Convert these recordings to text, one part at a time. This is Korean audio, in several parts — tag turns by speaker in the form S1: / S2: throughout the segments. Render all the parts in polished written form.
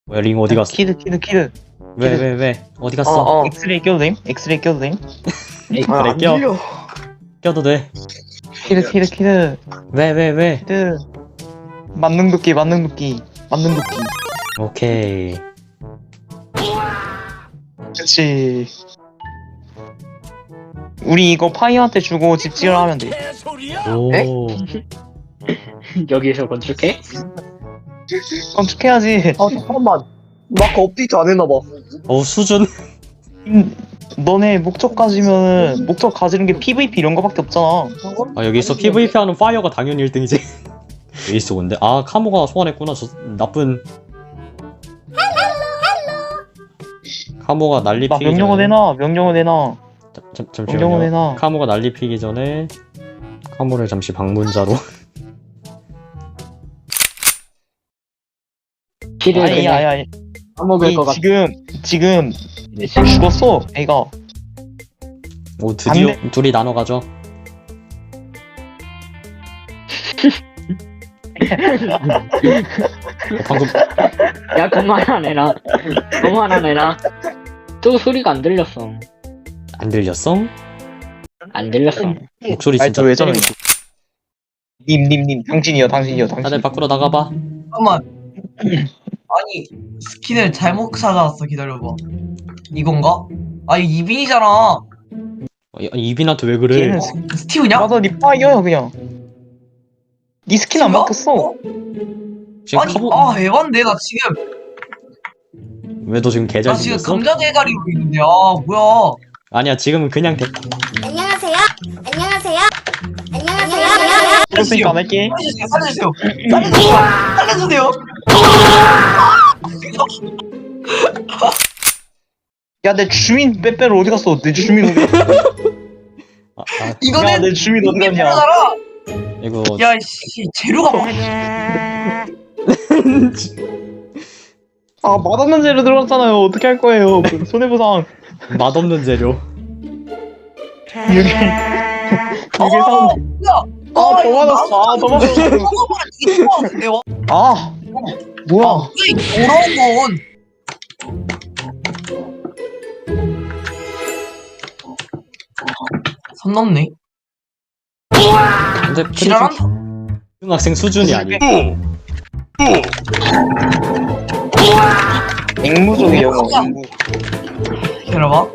S1: 뭐야 링 어디 갔어?
S2: 키드.
S1: 왜 어디 갔어?
S2: 엑스레이 껴도 됨? 엑스레이 껴도 됨?
S1: 그래 껴도 돼.
S2: 키드.
S1: 왜?
S2: 키드. 만능도끼.
S1: 오케이.
S2: 그치. 우리 이거 파이어한테 주고 집 지으러 하면 돼.
S1: 오.
S3: 여기에서 건축해?
S2: 건축해야지.
S4: 잠깐만. 마크 업데이트 안 했나봐.
S1: 수준.
S2: 너네 목적 가지면은 목적 가지는 게 PVP 이런 거밖에 없잖아.
S1: 아 여기서 PVP 하는 파이어가 당연히 1등이지. 에이스 온데? 아 카모가 소환했구나. 저 나쁜. 카모가 난리
S2: 나
S1: 피기
S2: 명령어
S1: 전에.
S2: 내놔. 명령어 내놔.
S1: 잠시만요. 카모가 난리 피기 전에 카모를 잠시 방문자로.
S3: 키를 그냥
S2: 아니.
S3: 까먹을 것 같아.
S2: 지금 죽었어. 애가.
S1: 오 드디어
S2: 안
S1: 둘이 나눠 가죠. 방금
S3: 야 그만하네 나. 그만하네. 또 소리가 안 들렸어.
S1: 안 들렸어?
S3: 안 들렸어.
S1: 목소리
S2: 아니,
S1: 진짜
S2: 저왜 저러냐.
S1: 때리고
S2: 님. 당신이요.
S1: 다들 밖으로 나가봐.
S4: 잠깐만. 아니 스킨을 잘못 찾아왔어. 기다려봐. 이건가? 아 이거 이빈이잖아.
S1: 이빈한테 왜 그래?
S2: 걔는
S4: 스티브냐?
S2: 맞아, 니 파이어야 그냥. 니 스킨 안 바뀌었어.
S1: 지금
S4: 아니
S1: 카모
S4: 에반데 나 지금
S1: 왜 너 지금 개잘
S4: 나 지금
S1: 생겼어?
S4: 감자 대가리로 있는데 뭐야?
S1: 아니야 지금은 그냥
S5: 안녕하세요.
S2: 그랬으니까 안 할게.
S4: 살려주세요. 살려주세요.
S2: 야, 내 주민 빼빼로 어디 갔어? 내 주민 어디 갔어? 야,
S4: 이거는
S2: 내 주민 어디 갔냐?
S4: 이거잖아.
S1: 이거
S4: 야씨 재료가 뭐?
S2: 아, 맛없는 재료 들어갔잖아요. 어떻게 할 거예요? 그 손해보상.
S1: 맛없는 재료.
S2: 여기 사람. 더 맞았어. 더 맞았어. 아, 뭐야?
S4: 더러운 건. 선 넘네.
S1: 근데
S4: 지랄한다.
S1: 중학생 수준이 아니야.
S2: 앵무족이 영어.
S4: 기다려봐.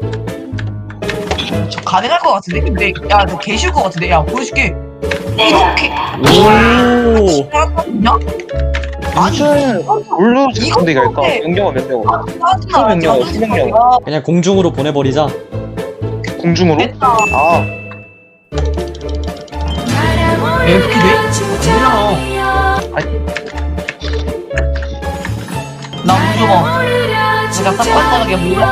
S4: 저 가능할 것 같은데? 근데 야 너 개 쉬울 것 같은데? 야 보여줄게. 이렇게
S1: 오.
S4: 지랄한다.
S2: 무슨 뭘로
S4: 이거
S2: 근데 갈까?
S4: 어때?
S2: 명령어.
S4: 짜증나.
S2: 수명령.
S1: 그냥 공중으로 보내버리자.
S2: 공중으로?
S4: 됐다.
S2: 아,
S4: 이렇게 돼? 나 무서워. 내가 싹싹하게 물어.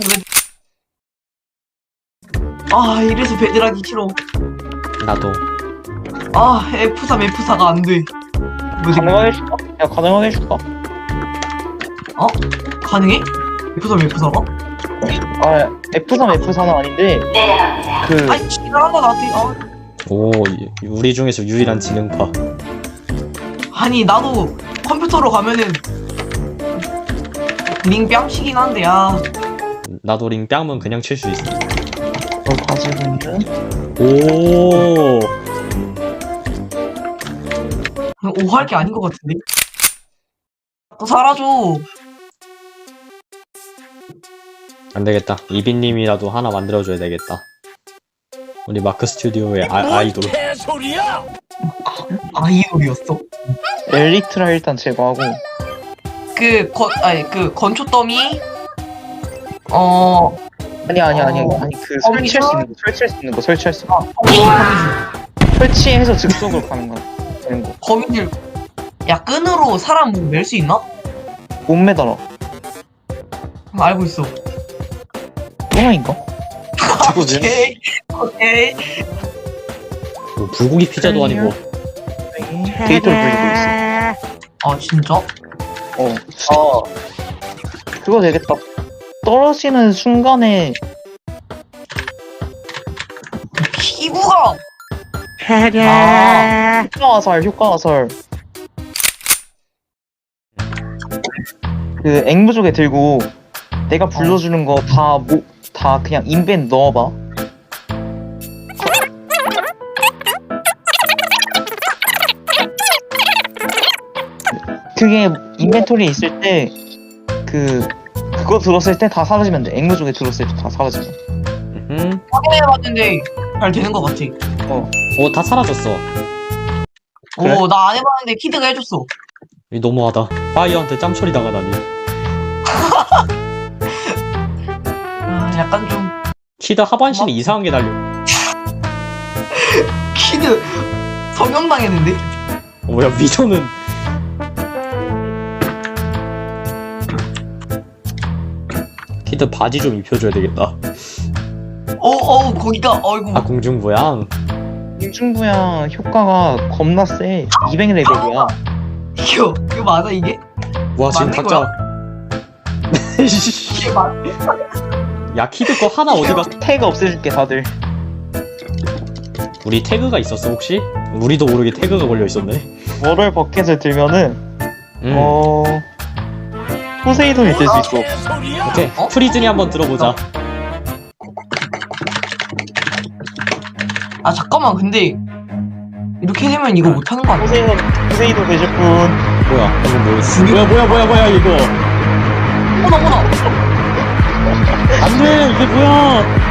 S4: 이래서 베드락이 싫어.
S1: 나도.
S4: F4가 안 돼.
S2: 가능하게 해줄까? 야, 가능하게 해줄까?
S4: 가능해? F4가?
S2: 아, F4는 아닌데 그
S4: 아니 지랄한다 나한테.
S1: 오 우리 중에서 유일한 지능파.
S4: 아니 나도 컴퓨터로 가면은 링 뺨치긴 한데
S1: 나도 링 뺨은 그냥 칠 수 있어.
S2: 뭘 가지고 있는?
S1: 오.
S4: 오할 게 아닌 것 같은데? 또 사라져.
S1: 안 되겠다. 이빈님이라도 하나 만들어줘야 되겠다. 우리 마크 스튜디오의 아이돌.
S4: 아이돌이었어.
S2: 엘리트라 일단 제거하고.
S4: 그 건초 더미
S2: 아니 그 설치할 수 있는 거. 설치해서 즉석으로 가는 거야. 되는 거.
S4: 거미줄. 야 끈으로 사람 멜 수 있나?
S2: 못 매달아.
S4: 알고 있어.
S2: 똥아인가?
S1: 최고지.
S4: 오케이.
S1: 뭐 불고기 피자도 아니고.
S2: 데이터를 불리고 있어.
S4: 진짜?
S2: 그거 되겠다. 떨어지는 순간에
S4: 피부가
S2: 효과 화살. 그 앵무족에 들고 내가 불러주는 거 다 그냥 인벤 넣어봐. 그게 인벤토리에 있을 때 그거 들었을 때 다 사라지면 돼. 앵무족에 들었을 때 다 사라지면.
S4: 확인해봤는데 잘 되는 것 같아.
S1: 오, 다 사라졌어.
S2: 그래?
S4: 오, 나 안 해봤는데 키드가 해줬어.
S1: 이 너무하다. 파이어한테 짬처리 당하다니.
S4: 약간 좀
S1: 키드 하반신이 이상하게 달려.
S4: 키드 성형당했는데?
S1: 뭐야, 미소는. 키드 바지 좀 입혀줘야 되겠다.
S4: 거기가 어이구.
S1: 아, 공중부양.
S2: 공중부양 효과가 겁나 세. 200레벨이야.
S4: 이거 맞아 이게?
S1: 와, 지금
S4: 맞는
S1: 각자.
S4: 이게 맞?
S1: 야, 키드 거 하나 어디가.
S2: 태그 없애줄게 다들.
S1: 우리 태그가 있었어, 혹시? 우리도 모르게 태그가 걸려 있었네.
S2: 월월 버켓을 들면은
S1: 음.
S2: 포세이돈이 될 수 있어.
S1: 오케이.
S4: 어?
S1: 프리즌이 한번 들어보자.
S4: 아 잠깐만 근데 이렇게 되면 이거 못하는 거 아니야?
S2: 포세이돈 되실 분.
S1: 뭐야, 이거 뭐야, 이거.
S4: 어머나.
S1: 안 돼! 이게 뭐야!